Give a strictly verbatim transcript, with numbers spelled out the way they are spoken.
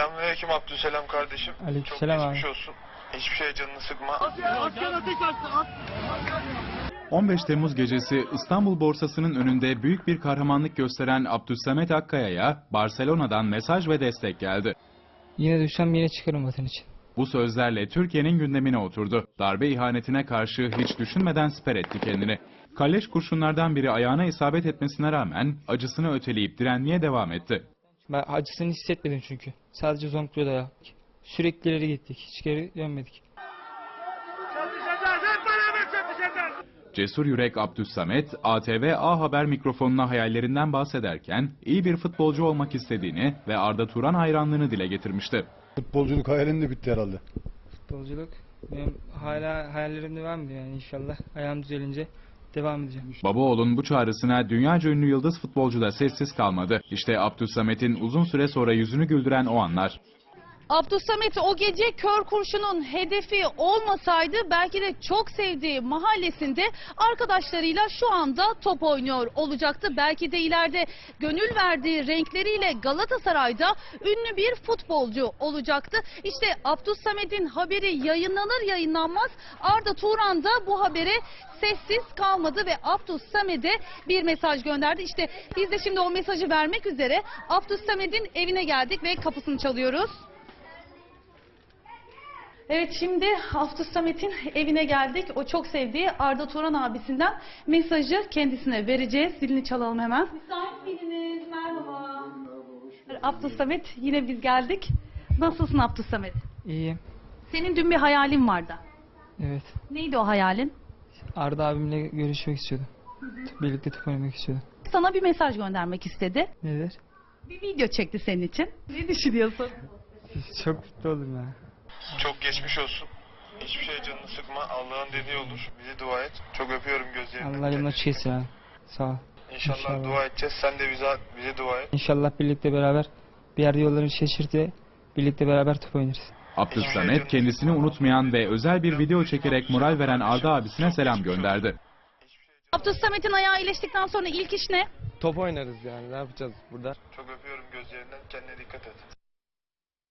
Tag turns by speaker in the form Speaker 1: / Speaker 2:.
Speaker 1: Selamünaleyküm Abdülselam kardeşim.
Speaker 2: Aleykümselam
Speaker 1: Çok
Speaker 2: abi.
Speaker 1: geçmiş olsun. Hiçbir şeye canını sıkma.
Speaker 3: on beş Temmuz gecesi İstanbul borsasının önünde büyük bir kahramanlık gösteren Abdülsamet Akkaya'ya Barcelona'dan mesaj ve destek geldi.
Speaker 2: Yine düşsem yine çıkarım vatan için.
Speaker 3: Bu sözlerle Türkiye'nin gündemine oturdu. Darbe ihanetine karşı hiç düşünmeden siper etti kendini. Kalleş kurşunlardan biri ayağına isabet etmesine rağmen acısını öteleyip direnmeye devam etti.
Speaker 2: Ben acısını hissetmedim çünkü. Sadece zonkluyor da yaptık. Sürekli ileri gittik. Hiç geri dönmedik.
Speaker 3: Cesur Yürek Abdülsamet, A T V A Haber mikrofonuna hayallerinden bahsederken iyi bir futbolcu olmak istediğini ve Arda Turan hayranlığını dile getirmişti.
Speaker 4: Futbolculuk hayalin de bitti herhalde.
Speaker 2: Futbolculuk benim hala hayallerim devam ediyor yani inşallah. Ayağım düzelince devam edeceğim.
Speaker 3: Babaoğlu'nun bu çağrısına dünyaca ünlü yıldız futbolcu da sessiz kalmadı. İşte Abdülsamet'in uzun süre sonra yüzünü güldüren o anlar.
Speaker 5: Abdülsamet o gece kör kurşunun hedefi olmasaydı belki de çok sevdiği mahallesinde arkadaşlarıyla şu anda top oynuyor olacaktı. Belki de ileride gönül verdiği renkleriyle Galatasaray'da ünlü bir futbolcu olacaktı. İşte Abdülsamet'in haberi yayınlanır yayınlanmaz Arda Turan da bu habere sessiz kalmadı ve Abdülsamet'e bir mesaj gönderdi. İşte biz de şimdi o mesajı vermek üzere Abdülsamet'in evine geldik ve kapısını çalıyoruz. Evet, şimdi Abdülsamet'in evine geldik. O çok sevdiği Arda Turan abisinden mesajı kendisine vereceğiz. Zilini çalalım hemen. Müsait miydiniz? Merhaba. Abdülsamet, yine biz geldik. Nasılsın Abdülsamet?
Speaker 2: İyiyim.
Speaker 5: Senin dün bir hayalin vardı.
Speaker 2: Evet.
Speaker 5: Neydi o hayalin?
Speaker 2: Arda abimle görüşmek istiyordum. Birlikte top oynamak istiyordum.
Speaker 5: Sana bir mesaj göndermek istedi.
Speaker 2: Nedir?
Speaker 5: Bir video çekti senin için. Ne düşünüyorsun?
Speaker 2: Çok mutlu oldum ya.
Speaker 1: Çok geçmiş olsun. Hiçbir şeye canını sıkma. Allah'ın dediği olur. Bize dua et. Çok öpüyorum gözlerinden.
Speaker 2: Allah yolunu açık etsin abi. Sağ ol.
Speaker 1: İnşallah,
Speaker 2: İnşallah.
Speaker 1: dua edeceğiz. Sen de bize, bize dua et.
Speaker 2: İnşallah birlikte beraber bir yerde yolları şaşırtı. Birlikte beraber top oynarız.
Speaker 3: Abdülsamet kendisini unutmayan ve özel bir video çekerek moral veren Arda abisine selam gönderdi.
Speaker 5: Abdülsamet'in ayağı iyileştikten sonra ilk iş ne?
Speaker 6: Top oynarız yani, ne yapacağız burada?
Speaker 1: Çok öpüyorum gözlerinden. Kendine dikkat et.